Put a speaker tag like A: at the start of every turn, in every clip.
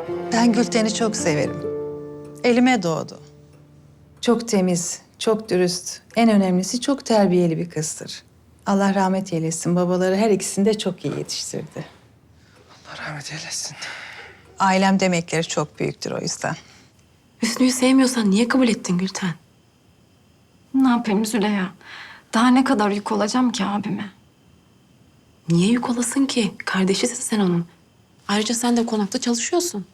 A: Ben Gülten'i çok severim. Elime doğdu. Çok temiz, çok dürüst. En önemlisi çok terbiyeli bir kızdır. Allah rahmet eylesin. Babaları her ikisini de çok iyi yetiştirdi.
B: Allah rahmet eylesin.
A: Ailem demekleri çok büyüktür o yüzden.
C: Hüsnü'yü sevmiyorsan niye kabul ettin Gülten?
D: Ne yapayım Züleyha? Daha ne kadar yük olacağım ki abime?
C: Niye yük olasın ki? Kardeşisin sen onun. Ayrıca sen de konakta çalışıyorsun.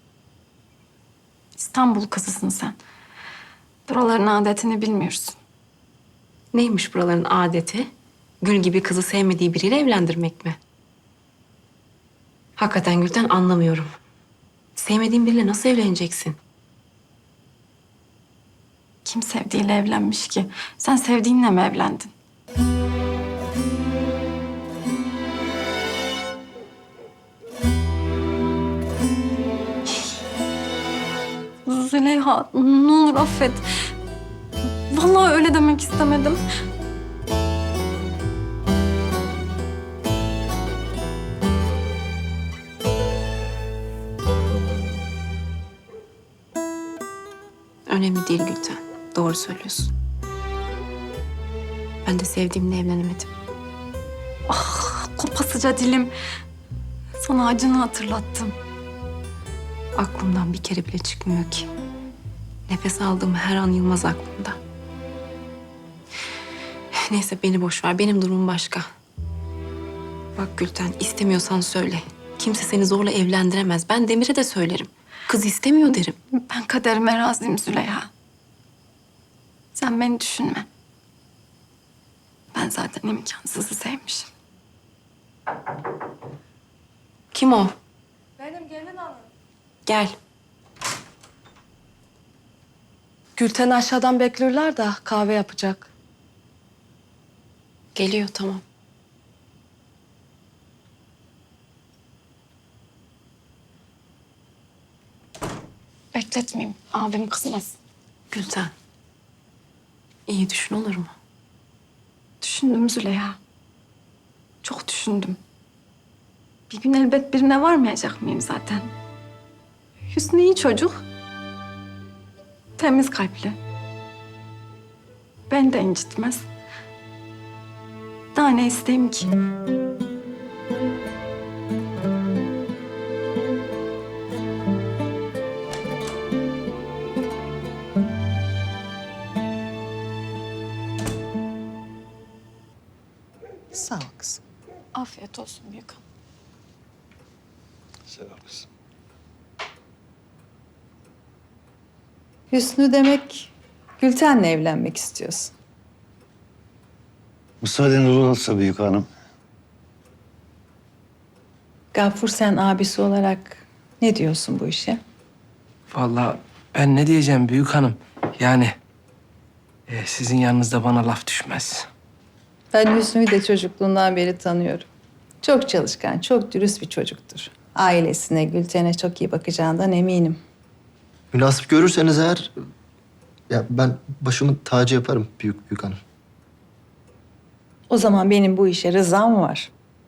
D: İstanbul kızısın sen. Buraların adetini bilmiyorsun.
C: Neymiş buraların adeti? Gül gibi kızı sevmediği biriyle evlendirmek mi? Hakikaten Gülten anlamıyorum. Sevmediğin biriyle nasıl evleneceksin?
D: Kim sevdiğiyle evlenmiş ki? Sen sevdiğinle mi evlendin? Züleyha, ne olur affet. Vallahi öyle demek istemedim.
C: Önemli değil Gülten. Doğru söylüyorsun. Ben de sevdiğimle evlenemedim.
D: Kopasıca dilim. Sana acını hatırlattım.
C: Aklımdan bir kere bile çıkmıyor ki. Nefes aldığım her an Yılmaz aklımda. Neyse beni boş ver. Benim durumum başka. Bak Gülten istemiyorsan söyle. Kimse seni zorla evlendiremez. Ben Demir'e de söylerim. Kız istemiyor derim.
D: Ben kaderime razıyım Züleyha. Sen beni düşünme. Ben zaten imkansızı sevmişim.
C: Kim o?
E: Benim gelin hanım.
C: Gel.
E: Gülten aşağıdan bekliyorlar da kahve yapacak.
C: Geliyor tamam.
D: Bekletmeyeyim. Abim kızmasın.
C: Gülten. İyi düşün olur mu?
D: Düşündüm Züleyha. Çok düşündüm. Bir gün elbet birine varmayacak mıyım zaten? Hüsnü iyi çocuk. Temiz kalpli. Beni de incitmez. Daha ne isteyeyim ki?
A: Sağ ol kızım.
D: Afiyet olsun büyük hanım.
B: Sağ ol kızım.
A: Hüsnü demek Gülten'le evlenmek istiyorsun.
B: Müsaaden olursa büyük hanım.
A: Gafur sen abisi olarak ne diyorsun bu işe?
F: Vallahi ben ne diyeceğim büyük hanım? Yani sizin yanınızda bana laf düşmez.
A: Ben Hüsnü'yü de çocukluğundan beri tanıyorum. Çok çalışkan, çok dürüst bir çocuktur. Ailesine, Gülten'e çok iyi bakacağından eminim.
G: Münasip görürseniz eğer ya ben başımın tacı yaparım büyük hanım.
A: O zaman benim bu işe rızam var.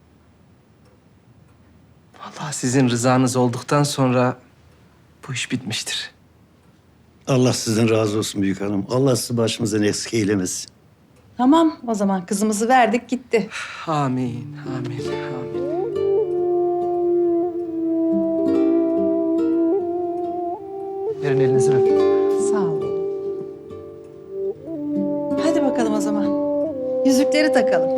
F: Vallahi sizin rızanız olduktan sonra bu iş bitmiştir.
B: Allah sizden razı olsun büyük hanım. Allah sizi başımızdan eksik eylemesin.
A: Tamam, o zaman kızımızı verdik gitti.
F: Amin, amin, amin.
G: Verin elinizi öpeyim.
A: Sağ ol. Hadi bakalım o zaman. Yüzükleri takalım.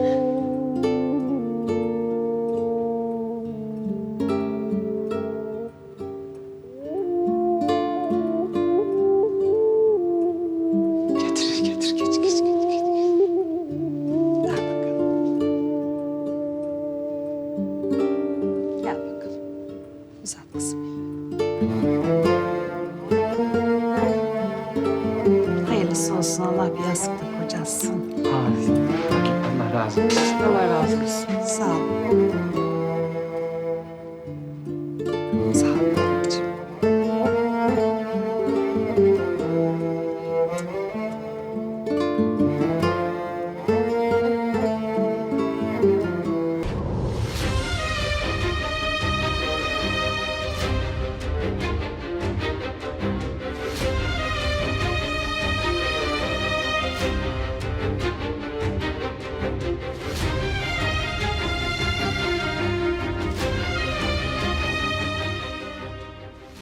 F: Getir, getir, geç, geç, geç.
A: Gel bakalım. Gel bakalım. Uzat kızım. Hayırlısı olsun. Allah bir yastıkta kocasın.
F: Amin. Allah razı olsun.
A: Allah razı olsun. Sağ ol.